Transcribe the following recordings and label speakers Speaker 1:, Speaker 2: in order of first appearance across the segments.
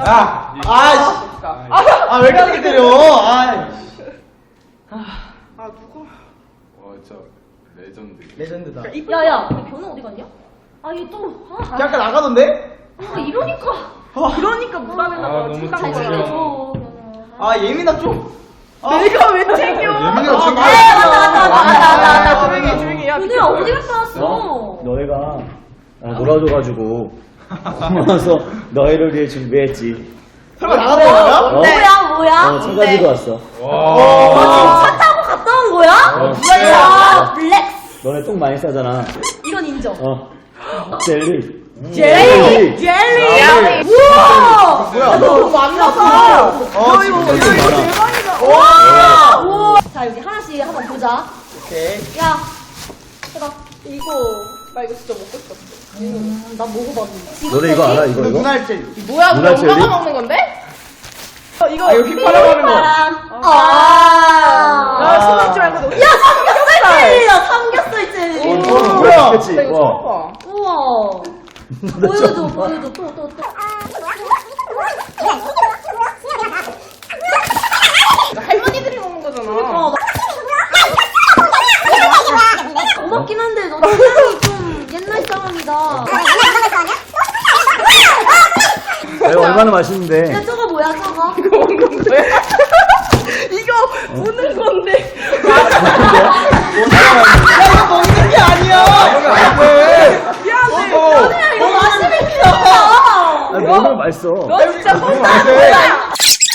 Speaker 1: 야!
Speaker 2: 아이씨. 왜 이렇게 때려?
Speaker 1: 누가? 와, 진짜 레전드.
Speaker 2: 레전드다.
Speaker 3: 야야, 변호 어디 갔냐? 아, 얘 또.
Speaker 2: 잠깐 나가던데?
Speaker 3: 이러니까.
Speaker 4: 그러니까 무단에다가
Speaker 1: 너무
Speaker 4: 중간
Speaker 3: 잘
Speaker 1: 잘
Speaker 3: 챙겨줘.
Speaker 2: 예민아 좀.
Speaker 4: 내가 왜 챙겨?
Speaker 1: 예민이가 챙겨.
Speaker 4: 나 조용히 야.
Speaker 3: 변호야, 어디 갔다 왔어?
Speaker 5: 너희가 놀아줘가지고 고마워서 너희를 위해 준비했지.
Speaker 2: 설마 나가는 거야?
Speaker 3: 뭐야?
Speaker 5: 차 가지고 왔어.
Speaker 3: 너 지금 차 타고 갔다 온 거야? 야, 블랙스.
Speaker 5: 너네 똥 많이 싸잖아.
Speaker 3: 이건 인정.
Speaker 5: 젤리.
Speaker 3: 젤리. 우와.
Speaker 2: 뭐야?
Speaker 4: 너무 만나서.
Speaker 2: 진짜
Speaker 4: 대박이다.
Speaker 3: 우와. 자, 여기 하나씩 한번 보자.
Speaker 2: 오케이.
Speaker 3: 야, 해봐.
Speaker 4: 나 이거 진짜 먹고 싶었어.
Speaker 3: 나 먹어봤는데.
Speaker 5: 너네 이거 알아? 이거?
Speaker 2: 눈알 젤.
Speaker 4: 뭐야?
Speaker 5: 누나
Speaker 4: 그거 엄마가
Speaker 5: 젤리?
Speaker 4: 먹는 건데? 이거
Speaker 2: 휘파람 하는 거.
Speaker 4: 나 신경 지 말고 너.
Speaker 3: 야, 삼겹살 젤리야, 삼겹살 젤리.
Speaker 2: 뭐야?
Speaker 5: 그치?
Speaker 4: 나 이거 처음 봐.
Speaker 3: 우와. 보여줘, 또.
Speaker 4: 이거 할머니들이 먹는 거잖아.
Speaker 3: 고맙긴 한데, 너 취향이 좀 옛날 사람이다.
Speaker 5: 이거 얼마나 맛있는데.
Speaker 3: 야, 저거 뭐야, 저거?
Speaker 4: 이거 먹는 거야? 이거 무는 건데.
Speaker 2: 이거 먹는 게 아니야.
Speaker 4: 미안해.
Speaker 3: 야, 이거 맛있겠다.
Speaker 5: 너무 맛있어.
Speaker 4: 너 진짜 혼자
Speaker 2: 안
Speaker 4: 한
Speaker 2: 돼.
Speaker 4: 거야.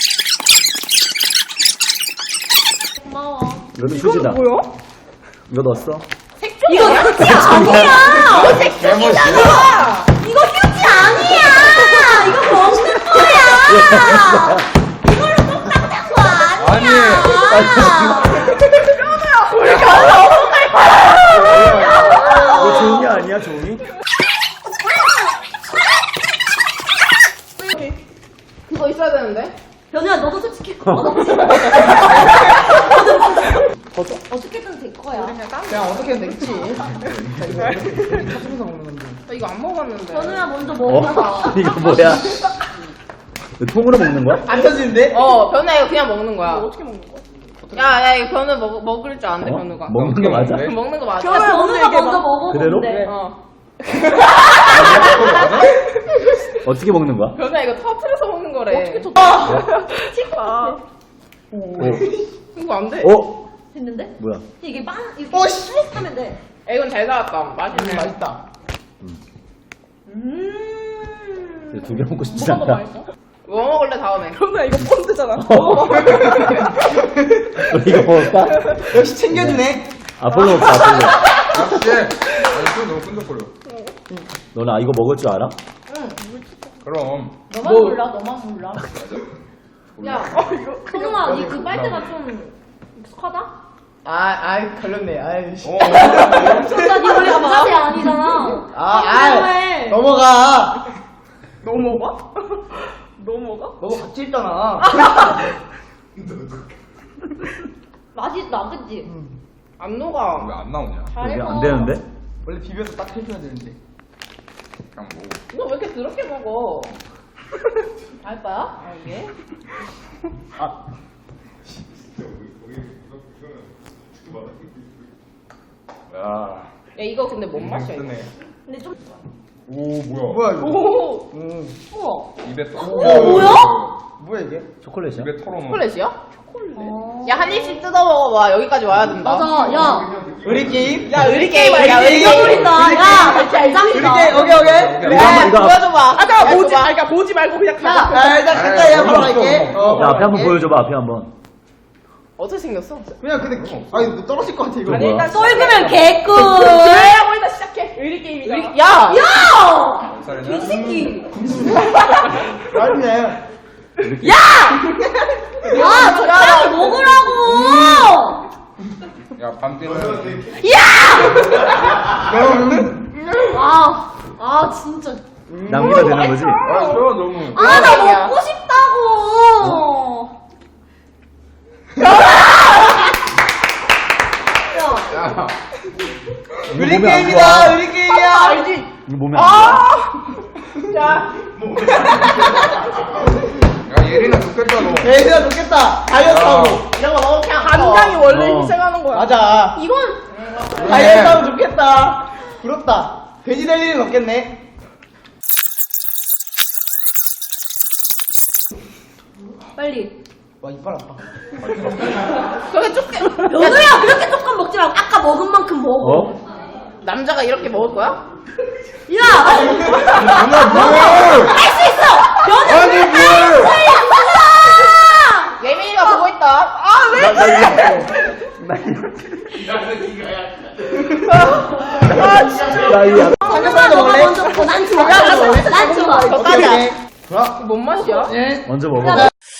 Speaker 3: 고마워.
Speaker 5: 이것도 휴지다.
Speaker 4: 뭐야?
Speaker 5: 이거 넣었어?
Speaker 3: 이거 휴지 아니야! 이거 색종이잖아! 이거 휴지 아니야! 이거 먹는 거야! 이걸로 똥 닦는 거 아니야!
Speaker 5: 이거 종이 아니야, 종이?
Speaker 4: 그거 있어야 되는데.
Speaker 3: 변우야, 너도 솔직히 어떻게든 될 거야.
Speaker 2: 그냥 어떻게 됐지? 찾으면서 먹는 건데.
Speaker 4: 나 이거 안 먹었는데.
Speaker 3: 변우야, 먼저 먹어봐.
Speaker 5: 이거 뭐야? 이거 통으로 먹는 거야?
Speaker 2: 안 터지는데?
Speaker 4: 변우 이거 그냥 먹는 거야.
Speaker 3: 어떻게 먹는 거야?
Speaker 4: 야, 이거 변우 먹을 줄 아는데, 변우가.
Speaker 5: 먹는 거 맞아?
Speaker 4: 먹는 거 맞아.
Speaker 3: 야, 변우가 먼저 먹어보는데.
Speaker 5: 그대로?
Speaker 4: 어.
Speaker 5: 어떻게 먹는 거야?
Speaker 4: 변우 이거 터트려서 먹는 거래. 어떻게
Speaker 3: 아,
Speaker 4: 이거 안 돼.
Speaker 3: 됐는데?
Speaker 5: 뭐야?
Speaker 3: 이게 이렇게 하면 돼.
Speaker 4: 야, 이건 잘 나왔다. 맛있네.
Speaker 2: 맛있다.
Speaker 5: 두 개 먹고 싶지 않다.
Speaker 4: 뭐 먹을래, 다음에?
Speaker 3: 변우야, 이거 펀드잖아.
Speaker 5: 이거 먹을까?
Speaker 2: 역시 챙겨주네.
Speaker 5: 아폴로 먹자, 아폴로.
Speaker 1: 역시! 이거 너무 끈적거려.
Speaker 5: 너는 이거 먹을 줄 알아?
Speaker 1: 그럼.
Speaker 3: 너만 몰라, 너만 몰라. 야,
Speaker 1: 이거.
Speaker 3: 성우아, 그 빨대가 좀 익숙하다?
Speaker 2: 걸렸네. 아이씨.
Speaker 3: 진짜 니 원래 부자세 아니잖아.
Speaker 2: 넘어가.
Speaker 4: 너 먹어? 너 먹어?
Speaker 2: 너무 같이 있잖아.
Speaker 3: 맛있다, 그치?
Speaker 4: 안 녹아.
Speaker 1: 왜 안 나오냐?
Speaker 5: 이게 안 되는데?
Speaker 2: 원래 비벼서 딱 해줘야 되는데.
Speaker 1: 그냥 먹어.
Speaker 4: 너 왜 이렇게 더럽게 먹어? 알바야? 이게?
Speaker 1: 야.
Speaker 4: 야, 이거 근데 뭔 맛이야, 이거?
Speaker 1: 뜨네.
Speaker 3: 근데 좀,
Speaker 1: 오, 뭐야.
Speaker 2: 뭐야 이거?
Speaker 4: 오!
Speaker 3: 우와.
Speaker 1: 입에 털어.
Speaker 3: 뭐야?
Speaker 2: 뭐야 이게?
Speaker 5: 초콜릿이야?
Speaker 1: 입에 털어놓은.
Speaker 4: 초콜릿이야? 야, 한 입씩 뜯어 먹어봐. 여기까지 와야 된다.
Speaker 3: 맞아, 야.
Speaker 2: 우리 게임?
Speaker 4: 야, 의리 게임이야,
Speaker 2: 우리
Speaker 4: 의리
Speaker 2: 게임.
Speaker 4: 게임.
Speaker 3: 야,
Speaker 2: 우리
Speaker 3: 짱이다.
Speaker 2: 게임. 오케이.
Speaker 5: 이거 이거
Speaker 4: 보여줘봐.
Speaker 3: 아까
Speaker 4: 야,
Speaker 3: 보지,
Speaker 4: 줘봐.
Speaker 3: 그러니까 보지 말고 그냥 가.
Speaker 2: 야, 일단 가까이 한번 할게.
Speaker 5: 야, 앞에 한번 보여줘봐, 앞에 한번.
Speaker 4: 어떻게 생겼어?
Speaker 2: 그냥 근데 이거 떨어질 것 같아 이거.
Speaker 5: 아니, 일단
Speaker 3: 썰그면 개꿀.
Speaker 4: 그래야 일단 시작해. 의리 게임이다. 야!
Speaker 3: 야!
Speaker 1: 살이냐?
Speaker 3: 개새끼.
Speaker 2: 아니네.
Speaker 3: 야, 적당히 먹으라고.
Speaker 1: 야, 밤띠는.
Speaker 3: 진짜.
Speaker 5: 남기면 되는 거지?
Speaker 1: 아, 저 너무.
Speaker 3: 나 먹고 싶다고.
Speaker 1: 야,
Speaker 2: 우리
Speaker 5: 몸에 안
Speaker 2: 게임이다,
Speaker 5: 좋아.
Speaker 2: 우리 게임이야.
Speaker 4: 알지?
Speaker 5: 이거 몸에 안
Speaker 4: 자,
Speaker 1: 야, 예린아 좋겠다, 너.
Speaker 2: 얘들아 좋겠다. 다이어트하고. 이런 거 너무 그냥
Speaker 4: 간장이 원래
Speaker 5: 어.
Speaker 4: 희생하는 거야.
Speaker 2: 맞아.
Speaker 3: 이건
Speaker 2: 다이어트하면 좋겠다. 부럽다. 돼지 될 일은 없겠네.
Speaker 3: 빨리.
Speaker 2: 와 이빨 아파.
Speaker 4: 그게 조금
Speaker 3: 연우야 그렇게 조금 먹지 말고 아까 먹은 만큼 먹어.
Speaker 5: 어?
Speaker 4: 남자가 이렇게 먹을 거야?
Speaker 3: 야,
Speaker 1: 누나, 뭐야!
Speaker 3: 할 수 있어. 연우
Speaker 1: 아니, 뭘!
Speaker 4: 예민이가 보고 있다. 아 왜? 아 진짜.
Speaker 2: 삼겹살도 먹을래?
Speaker 3: 먼저 먹어. 난 좋아. 난 좋아.
Speaker 4: 저 딸이야.
Speaker 2: 좋아.
Speaker 4: 뭔 맛이야?
Speaker 5: 먼저 먹어.